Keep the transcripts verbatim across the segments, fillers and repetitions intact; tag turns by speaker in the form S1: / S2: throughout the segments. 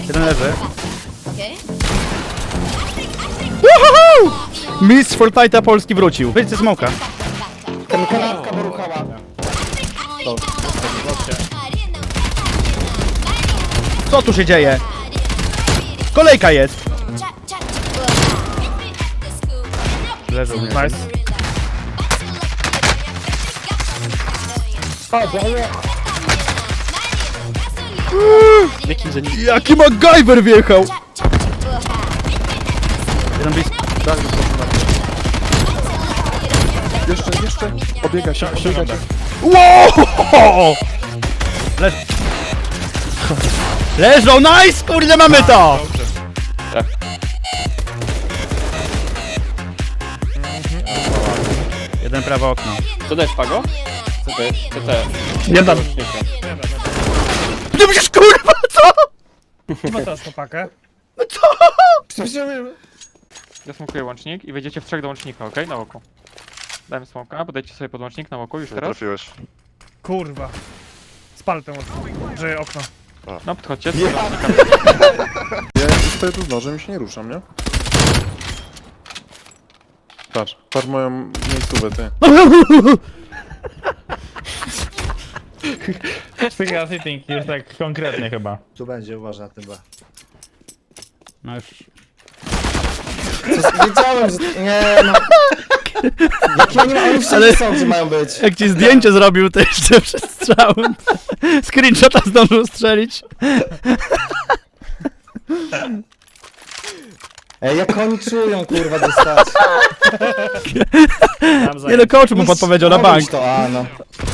S1: Jeden leży.
S2: Okej.
S1: Woohoo! Mistrz Fortnite'a Polski wrócił. Wyjdźcie smoka.
S3: Ten kanapka poruchała.
S1: Co tu się dzieje? Kolejka jest. Leżą mnie.
S4: Nice.
S5: Jakim za nim?
S1: Jaki MacGyver wjechał! Jeden blisko.
S3: Jeszcze, jeszcze. Obiega się, obiega się.
S1: Wow! Leż... Leżą, nice! Kurde, mamy to!
S5: Tak.
S1: Jeden prawe okno.
S5: Co dajesz, Pago? Co to jest? Co to jest?
S4: Nie dam.
S1: Ty musisz, kurwa, co?
S4: Ma teraz chłopakę.
S1: No co?
S5: Ja smokuję łącznik i wejdziecie w trzech do łącznika, okej? Na oko. Dajmy smoka, podejdźcie sobie pod łącznik na oko już
S6: Nie
S5: teraz.
S6: trafiłeś.
S4: Kurwa. Spal ten że okno.
S5: No, podchodźcie.
S3: Ja stoję tu z nożem i się nie ruszam, nie? Patrz, patrz moją miejscówę, ty.
S4: Finger sitting jest tak konkretnie chyba.
S7: Tu będzie, uważaj na tym B.
S1: No już...
S7: Wiedziałem, że... Nie no... Jakie oni, oni wszędzie
S1: Ale-
S7: są, gdzie mają być.
S1: Jak ci zdjęcie zrobił, to jeszcze przed strzałem. Screenshota zdążył strzelić.
S7: Ej, jak oni czują, kurwa, dostać.
S1: Nie no, coach mu podpowiedział na bank.
S7: To, a no.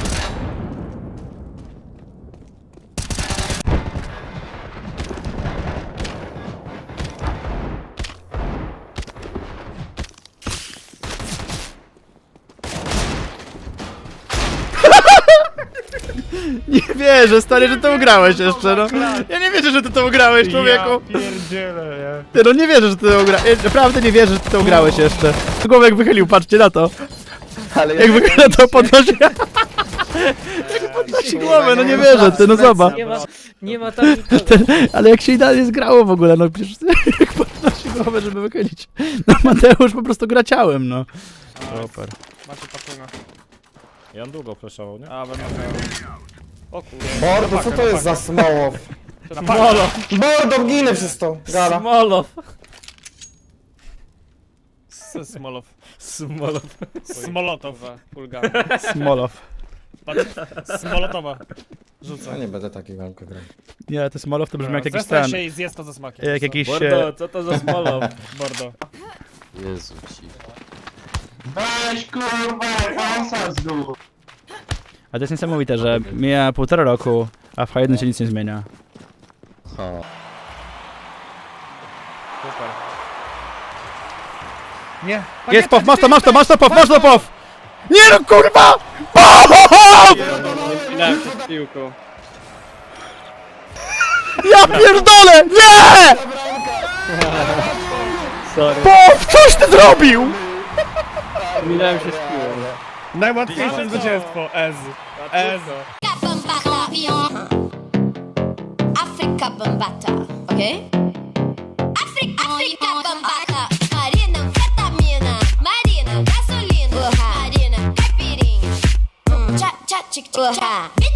S1: Nie wierzę, stary, że to ugrałeś jeszcze, no. Ja nie wierzę, że ty to ugrałeś, człowieku.
S4: Ja pierdzielę, nie?
S1: Ty, no nie wierzę, że ty to ugrałeś. Ja naprawdę nie wierzę, że ty to ugrałeś jeszcze. Głowę jak wychylił, patrzcie na to.
S7: Ale
S1: Jak wychyla to podnosi... Jak podnosi głowę, no nie wierzę, ty, no zobacz.
S8: Nie ma, nie ma tam nikogo.
S1: Ten, ale jak się idealnie zgrało w ogóle, no przecież jak podnosi głowę, żeby wychylić. No Mateusz po prostu gra ciałem, no. Super.
S5: Macie patrona.
S4: I on długo flashował, nie?
S5: A, będę O kurde.
S7: Mordo, co to jest za smołow?
S4: Molo!
S7: Mordo, ginę przez to. Gala.
S8: Smolow.
S4: Smolow. Smolow. Smolotow.
S5: Pulgamy.
S1: Smolow.
S4: Smolotowa.
S7: Ja
S4: Rzucę.
S7: nie będę takiego grał.
S1: Nie, to Smolow to brzmi jak jakiś
S4: Zestań
S1: ten.
S4: się i zjedz to ze smakiem.
S1: Jak jakiś... e,
S8: Bordo, co to za smolow?
S4: Bordo.
S8: Jezu ci.
S1: A to jest niesamowite, że mija półtora roku, a w H jeden się nic nie zmienia.
S5: Super.
S4: Nie.
S1: Jest pow, masz to, masz to, masz to pow, masz to pow! Nie no kurwa! Pow!
S5: Ile przed piłką.
S1: Ja pierdolę! Nie!
S5: Sorry.
S1: Pow, coś ty zrobił!
S5: Minąłem się z piłą.
S4: Najłatwiejsze zwycięstwo. Ez. Ez.
S2: Afrika Bambata, okej? Afrika, Afrika Bambata. Marina, fetamina. Marina, gasolina. Marina, caipirinha. Cha, cha, chick, chick, cha.